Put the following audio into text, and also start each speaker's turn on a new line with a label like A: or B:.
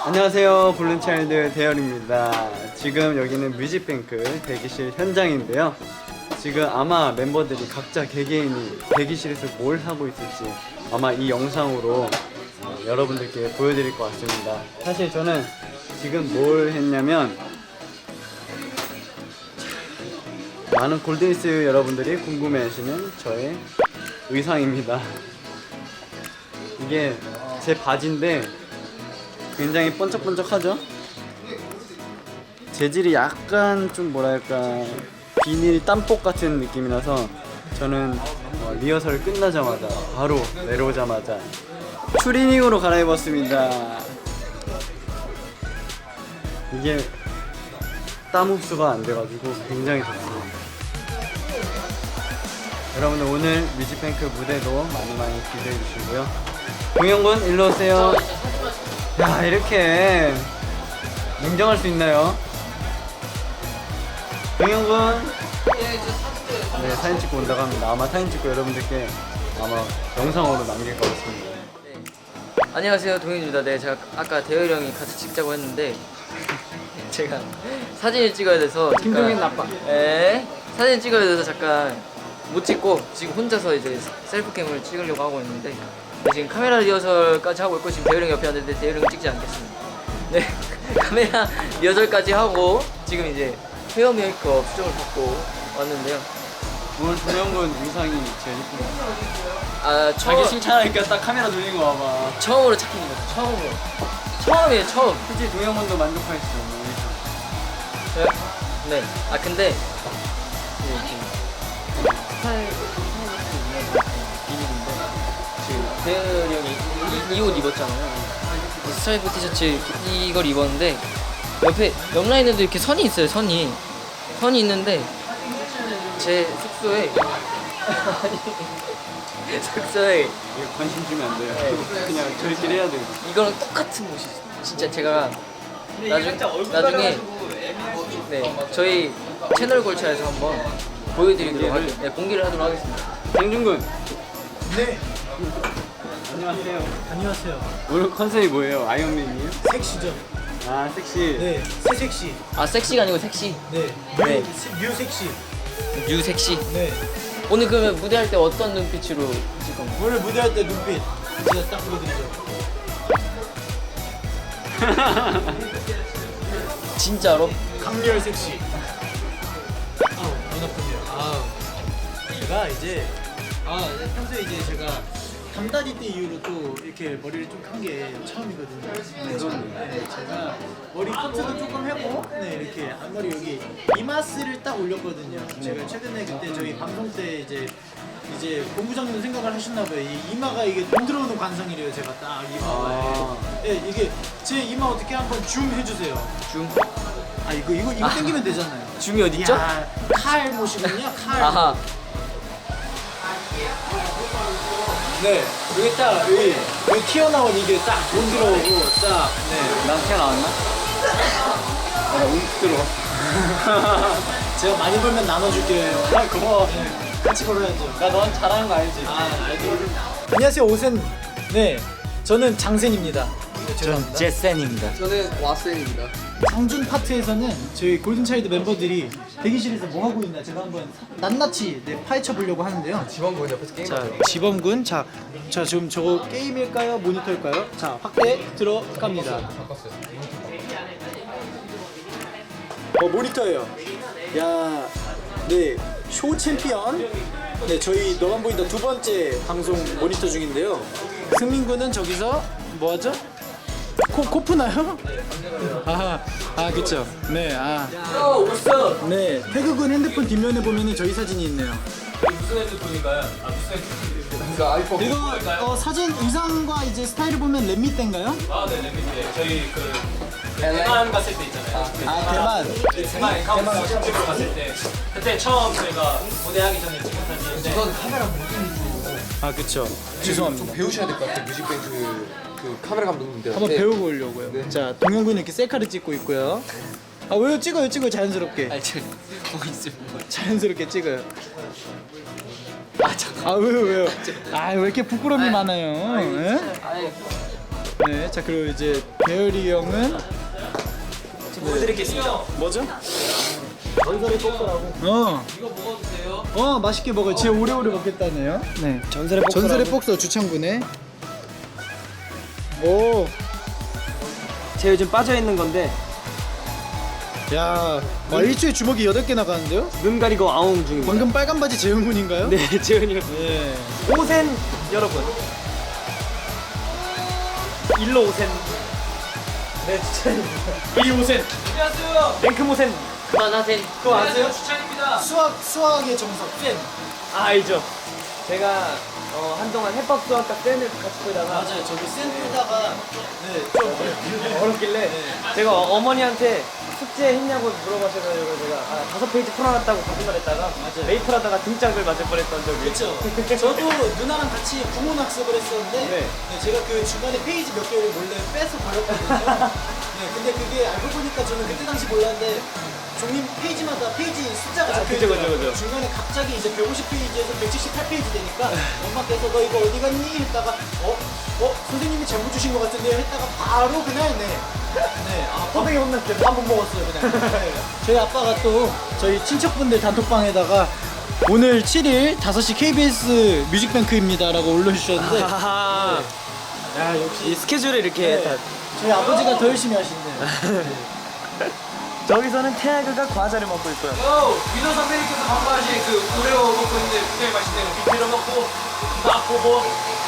A: 안녕하세요, 골든차일드 대열입니다. 지금 여기는 뮤직뱅크 대기실 현장인데요. 지금 아마 멤버들이 각자 개개인이 대기실에서 뭘 하고 있을지 아마 이 영상으로 여러분들께 보여드릴 것 같습니다. 사실 저는 지금 뭘 했냐면, 많은 골든리스 여러분들이 궁금해하시는 저의 의상입니다. 이게 제 바지인데 굉장히 번쩍번쩍하죠? 재질이 약간 좀 뭐랄까 비닐 땀복 같은 느낌이라서 저는 리허설 끝나자마자 바로 내려오자마자 추리닝으로 갈아입었습니다. 이게 땀 흡수가 안 돼가지고 굉장히 좋습니다. 여러분들 오늘 뮤직뱅크 무대도 많이 기대해 주시고요. 동영군 일로 오세요. 야, 이렇게 냉정할 수 있나요? 동영군. 네, 사진 찍고 온다고 합니다. 아마 사진 찍고 여러분들께 아마 영상으로 남길 것 같습니다.
B: 안녕하세요, 동현입니다. 네, 제가 아까 대열이 형이 같이 찍자고 했는데 제가 사진을 찍어야 돼서
A: 김동현 나빠.
B: 네, 사진 찍어야 돼서 잠깐 못 찍고 지금 혼자서 이제 셀프캠을 찍으려고 하고 있는데 지금 카메라 리허설까지 하고 있고 지금 대열이 형 옆에 왔는데 대열이 형은 찍지 않겠습니다. 네, 카메라 리허설까지 하고 지금 이제 헤어 메이크업 수정을 받고 왔는데요.
A: 오늘 동영군 의상이 제일 예쁘다.
B: 아,
A: 자기 칭찬하니까 딱 카메라 돌린 거 봐봐.
B: 처음으로 착힌 거죠. 처음이에요, 처음.
A: 솔직히 동영군도 만족하시죠?
B: 저요? 네. 아 근데 비밀인데 지금 대열이 형이 이 옷 입었잖아요. 이 스트라이프 티셔츠 이걸 입었는데 옆에 옆 라인에도 이렇게 선이 있어요. 선이 있는데 제 숙소에 숙소에
A: 이거 관심 주면 안 돼요.
B: 네.
A: 그냥 저희끼리 해야 돼요.
B: 이거랑 똑같은 옷이 있어요. 진짜 제가 나중에 네 저희 채널 골차에서 한번 보여드리도록 할게요. 네, 공개를 하도록 하겠습니다.
A: 장준군.
C: 네,
A: 안녕하세요.
C: 안녕하세요.
A: 오늘 컨셉이 뭐예요? 아이언맨이에요?
C: 섹시죠?
A: 아, 섹시.
C: 네, 새 섹시.
B: 아 섹시가 아니고 섹시.
C: 네,
B: 네.
C: 뉴 섹시.
B: 뉴 섹시.
C: 네,
B: 오늘 그러면 무대할 때 어떤 눈빛으로 찍을 건가요?
C: 오늘 무대할 때 눈빛 제가 딱 보여드리죠.
B: 진짜로?
C: 강렬 섹시. 아우, 눈 아프네요. 아우. 제가 이제 평소에 이제 제가 담다리 때 이후로 또 이렇게 머리를 좀 한 게 처음이거든요. 네, 제가 머리 커트도 조금 하고, 네, 이렇게 앞머리 여기 이마스를 딱 올렸거든요. 제가 최근에 그때 저희 방송 때 이제 본부장님도 생각을 하셨나 봐요. 이 이마가 이게 돈 들어오는 관상이래요. 제가 딱 이마가. 네, 이게 제 이마 어떻게 한번 줌 해주세요.
B: 줌?
C: 아 이거 당기면 되잖아요.
B: 줌이 어디 있죠?
C: 야, 칼 모시군요. 칼.
B: 아하.
C: 네, 여기 딱 여기 튀어나온 이게 딱 돈 들어오고 딱. 네,
A: 난 튀어나왔나? 아, 운 들어.
C: 제가 많이 벌면 나눠줄게요.
A: 아, 고마워.
C: 네, 같이 벌어야죠.
A: 나 넌 잘하는 거 알지?
C: 안녕하세요, 오센. 네, 저는 장센입니다. 죄송합니다.
B: 제센입니다.
D: 저는 와센입니다.
C: 장준 파트에서는 저희 골든차일드 멤버들이 대기실에서 뭐 하고 있나 제가 한번 낱낱이 파헤쳐 보려고 하는데요.
D: 지원군 옆에서 게임.
C: 자, 지범군. 자, 지금 저거 게임일까요? 모니터일까요? 자, 확대 들어갑니다. 모니터예요. 야, 네, 쇼 챔피언. 네, 저희 너만 보인다 두 번째 방송 모니터 중인데요. 승민군은 저기서 뭐 하죠? 코 푸나요? 그쵸. 네, 네, 태극은 핸드폰 뒷면에 보면은 저희 사진이 있네요.
D: 그러니까 아이폰.
C: 이거 사진 의상과 이제 스타일을 보면 렛미때인가요?
E: 네, 랩미때 저희 그 대만 갔을 때 있잖아요.
C: 대만.
E: 대만 샵집으로 갔을 때 그때 처음 저희가 무대하기 전에 찍은 사진인데
D: 우선 카메라 무빙
C: 그쵸.
D: 좀
C: 죄송합니다.
D: 배우셔야 될 것 같아요. 뮤직뱅크 그 카메라 감독님들.
C: 한번 배우고 오려고요.
D: 네.
C: 자, 동영군 이렇게 셀카를 찍고 있고요. 왜요? 찍어요, 자연스럽게.
B: 아니 저 보고 있습니다.
C: 자연스럽게 찍어요.
B: 아 잠깐.
C: 왜요? 왜 이렇게 부끄러움이 많아요? 예?
B: 아니
C: 네, 자 그리고 이제 배열이 형은
E: 보여드리겠습니다.
C: 뭐죠? 어.
E: 이거 먹어도 돼요?
C: 맛있게 먹어요. 진짜 오래오래 먹겠다네요. 네. 전설의 복서 주창군의. 오.
E: 제 요즘 빠져 있는 건데
C: 야, 일주일에 주먹이 8개 나가는데요?
E: 눈 가리고 아웅 중입니다.
C: 방금 빨간 바지 재훈군인가요?
E: 네, 재현이 형.
C: 네.
E: 오센 여러분. 일로 오센. 네, 추천입니다. 이리 오센. 안녕하세요. 랭크 모센.
B: 그만하세요.
E: 그거 아세요? 추천입니다.
C: 수학의 정석 쌤.
E: 아, 알죠. 제가 한동안 해법 수학과 쌤을 같이 보다가
C: 맞아요. 저기 쌤 보다가 좀
E: 어렵길래 제가 어머니한테 숙제 했냐고 물어보셔가지고 제가 5페이지 풀어놨다고 거짓말했다가 메이플 하다가 등짝을 맞을 뻔했던 적이
C: 그렇죠. 저도 누나랑 같이 구몬 학습을 했었는데
E: 네.
C: 제가 그 중간에 페이지 몇 개를 몰래 빼서 버렸거든요. 네, 근데 그게 알고 보니까 저는 그때 당시 몰랐는데 종이 페이지마다 페이지 숫자가 적혀
E: 그죠,
C: 있더라고요.
E: 그죠, 그죠.
C: 중간에 갑자기 이제 150페이지에서 178페이지 되니까 엄마께서 너 이거 어디 갔니? 했다가 선생님이 잘못 주신 것 같은데요? 했다가 바로 그날
E: 호되게 혼났어요.
C: 밥 못 먹었어요 그냥. 네. 저희 아빠가 또 저희 친척분들 단톡방에다가 오늘 7일 5시 KBS 뮤직뱅크입니다 라고 올려주셨는데
E: 아하.
C: 야 역시
E: 이 스케줄을 이렇게 다
C: 저희 아버지가 더 열심히 하시네요.
E: 저기서는 태아그가 과자를 먹고 있고요.
F: 위너 선배님께서 방금 하신 그 오레오 먹고 있는데 굉장히 맛있네요. 빅피로 먹고 맛보고